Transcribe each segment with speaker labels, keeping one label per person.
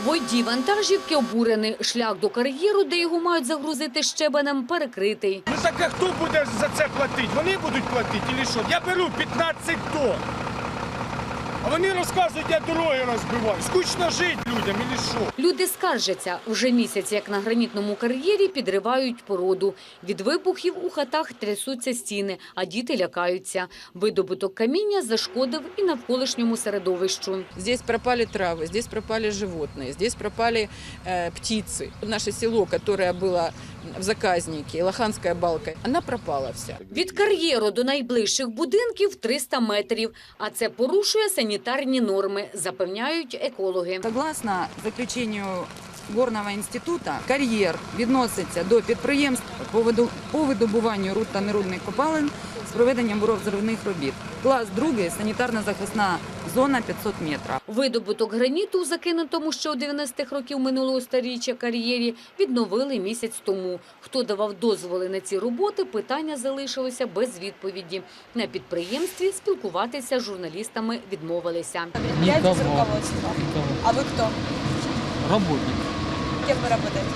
Speaker 1: Водій вантажівки обурений. Шлях до кар'єру, де його мають загрузити щебенем, перекритий.
Speaker 2: Ну так а хто буде за це платити? Вони будуть платити чи що? Я беру 15 тонн. А вони розказують, я дороги розбиваю. Скучно жити людям, і що?
Speaker 1: Люди скаржаться. Вже місяць, як на гранітному кар'єрі, підривають породу. Від вибухів у хатах трясуться стіни, а діти лякаються. Видобуток каміння зашкодив і навколишньому середовищу.
Speaker 3: Здесь пропали травы, здесь пропали животные, здесь пропали птицы. Наше село, которое было в заказнике, Лоханская балка, она пропала вся.
Speaker 1: Від кар'єру до найближчих будинків 300 метрів. А це порушує санітарні норми, запевняють екологи.
Speaker 4: Согласно заключенню Горного інституту, кар'єр відноситься до підприємств по видобуванню руд та нерудних копалин з проведенням буровзривних робіт. Клас 2 – санітарно-захисна зона 500 метрів.
Speaker 1: Видобуток граніту у закинутому ще у 90-х років минулого сторіччя кар'єрі відновили місяць тому. Хто давав дозволи на ці роботи, питання залишилося без відповіді. На підприємстві спілкуватися з журналістами відмовилися.
Speaker 5: Никого. Руководство. А вы кто?
Speaker 6: Работник.
Speaker 5: Кем вы работаете?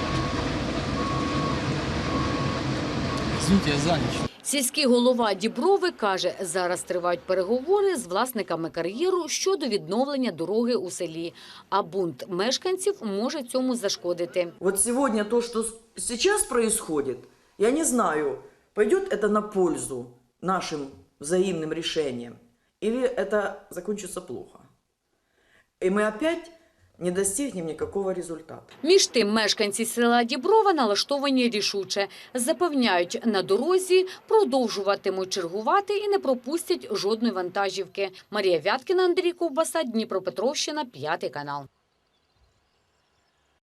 Speaker 6: Извините, я занят.
Speaker 1: Сільський голова Діброви каже, зараз тривають переговори з власниками кар'єру щодо відновлення дороги у селі. А бунт мешканців може цьому зашкодити.
Speaker 7: Вот сегодня то, что сейчас происходит, я не знаю, пойдет это на пользу нашим взаимным решениям, или это закончится плохо. И мы опять не достигнем никакого результата.
Speaker 1: Між тим, мешканці села Діброва налаштовані рішуче. Запевняють, на дорозі продовжуватимуть чергувати і не пропустять жодної вантажівки. Марія Вяткіна, Андрій Ковбаса, Дніпропетровщина, 5 канал.